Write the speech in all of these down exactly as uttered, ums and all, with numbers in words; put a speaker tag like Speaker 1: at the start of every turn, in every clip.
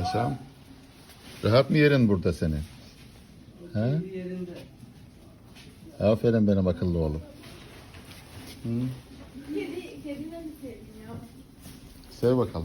Speaker 1: Paşam. Rahat mı yerin burada senin? He?
Speaker 2: Yerinde.
Speaker 1: Aferin benim akıllı oğlum. Hı?
Speaker 3: Kedi, kedine mi sevdim ya?
Speaker 1: Sev bakalım.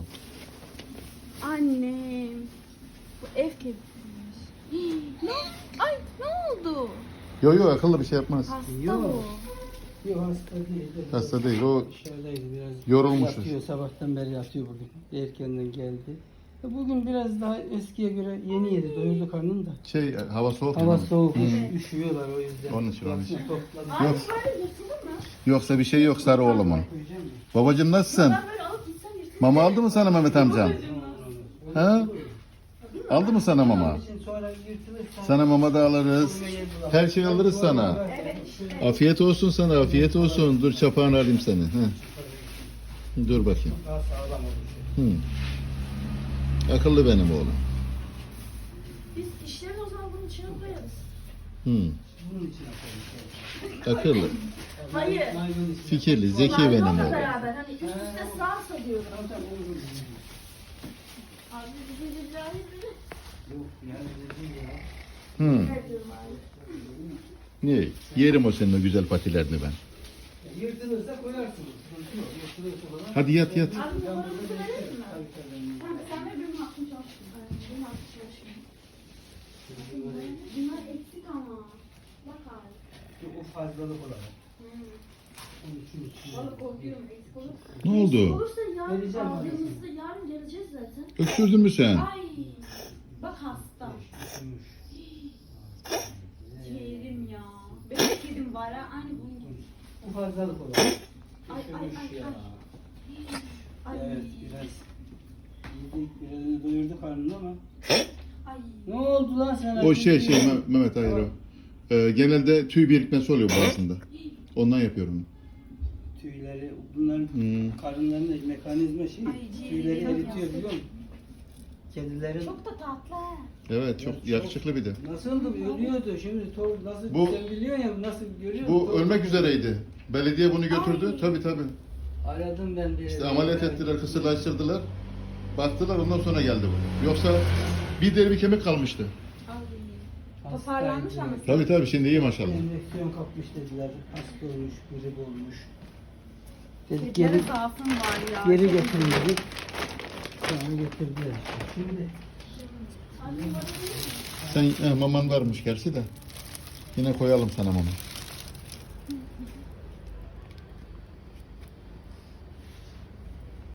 Speaker 3: Annem. Bu ev kedisiymiş. Ne? Ay ne oldu?
Speaker 1: Yok yok akıllı bir şey yapmaz.
Speaker 3: Hasta
Speaker 2: Yok.
Speaker 3: bu.
Speaker 2: Yok hasta değil.
Speaker 1: Hasta değil, o
Speaker 2: Dışarıdaydı biraz.
Speaker 1: yorulmuş.
Speaker 2: Yatıyor, sabahtan beri yatıyor burada. Erkenden geldi. E, Bugün biraz daha eskiye göre yeni yedi. Doyurdu karnını da.
Speaker 1: Şey hava soğuk.
Speaker 2: Hava
Speaker 1: ya.
Speaker 2: soğuk,
Speaker 1: Hı.
Speaker 2: üş- üşüyorlar o yüzden.
Speaker 1: Onun için, onun için.
Speaker 2: Yatsın, topladı.
Speaker 3: Ay
Speaker 1: Yok.
Speaker 3: böyle yırtılır mı?
Speaker 1: Yoksa bir şey yok sarı oğlumun.
Speaker 2: Koyacağım mı?
Speaker 1: Babacım nasılsın?
Speaker 3: Ben böyle alıp gitsem yırtılır.
Speaker 1: Mama aldı mı sana Mehmet amcam? Ha? Aldı mı sana mama?
Speaker 2: Onun için sonra yırtılırsa-
Speaker 1: Sana mama da alırız. Her şey alırız sana. Afiyet olsun sana, afiyet olsun. Dur çapağını alayım seni. Hı. Dur bakayım.
Speaker 2: Daha sağlam olur.
Speaker 1: Hı. Akıllı benim oğlum.
Speaker 3: Biz işlerini o zaman bunun içine koyarız.
Speaker 1: Hı.
Speaker 2: Bunun için yapalım.
Speaker 1: Akıllı,
Speaker 3: Hayır.
Speaker 2: Naylon için.
Speaker 1: fikirli, zeki benim
Speaker 3: Naylonla
Speaker 1: oğlum.
Speaker 3: beraber hani üst üste sağsa diyorum.
Speaker 2: Tamam, tamam, olur.
Speaker 3: Abi bizi billahi bizi.
Speaker 2: Yok yani dedi ya.
Speaker 1: Hı.
Speaker 3: Ne diyorum abi?
Speaker 1: Ne? Yerim o senin o güzel patilerini ben.
Speaker 2: Yırtılırsa koyarsınız. Sıkıntı yok. Yırtılırsa falan.
Speaker 1: Hadi yat yat.
Speaker 3: Abi numaramızı verelim mi?
Speaker 2: Tabii, tabii.
Speaker 3: Tamam sen ver benim aklım çalışsın. Benim aklım çalışsın. Bunlar eksik ama. Bak abi.
Speaker 2: Yok, o fazlalık olarak.
Speaker 3: Hmm.
Speaker 2: Onun için için.
Speaker 3: Vallahi korkuyorum eksik olur.
Speaker 1: Ne
Speaker 3: Eksik
Speaker 1: oldu?
Speaker 3: olursa yarın
Speaker 2: Vereceğim
Speaker 3: aldığımızda yarın geleceğiz zaten.
Speaker 1: Öksürdün mü sen?
Speaker 3: Ay. Bak hasta.
Speaker 2: Üşümüş.
Speaker 3: Kedim ya. Benim kedim var ha. Aynı bunun gibi.
Speaker 2: Bu fazlalık olarak.
Speaker 3: Ay ay
Speaker 2: Üşümüş
Speaker 3: ay
Speaker 2: ya.
Speaker 3: ay. Ay.
Speaker 2: Evet biraz yedik, biraz doyurdu karnını ama.
Speaker 3: Ay.
Speaker 2: Ne oldu lan sana?
Speaker 1: O şey şey Meh- Mehmet hayır o. Ee, genelde tüy birikmesi oluyor boğazında. Ondan yapıyorum.
Speaker 2: Tüyleri, bunların
Speaker 1: Hmm.
Speaker 2: karınlarında mekanizma şey,
Speaker 3: Ay, ciğeri
Speaker 2: tüyleri
Speaker 3: yok
Speaker 2: eritiyor
Speaker 3: ya.
Speaker 2: biliyor musun? Kedilerin
Speaker 3: Çok da tatlı ha.
Speaker 1: Evet çok yakışıklı bir de.
Speaker 2: nasıldı ölüyordu şimdi tor nasıl
Speaker 1: Bu-
Speaker 2: sen biliyorsun ya nasıl görüyorsun?
Speaker 1: Bu
Speaker 2: Tor-
Speaker 1: ölmek üzereydi. Belediye bunu götürdü.
Speaker 3: Ay.
Speaker 1: Tabi tabi.
Speaker 2: Aradım ben bir.
Speaker 1: İşte ameliyat ettiler, kısırlaştırdılar. Baktılar ondan sonra geldi bu. Yoksa bir deri bir kemik kalmıştı.
Speaker 3: Ay. Toparlanmış ama.
Speaker 1: Tabi tabi şimdi iyi maşallah.
Speaker 2: Enfeksiyon kapmış dediler. Hasta olmuş, grip olmuş. Dedik
Speaker 3: Kedilere
Speaker 2: geri,
Speaker 3: zaafım var ya.
Speaker 2: geri getirin dedik. Sonra getirdiler işte. Şimdi
Speaker 1: Sen eh, maman varmış gerçi de. Yine koyalım sana mama.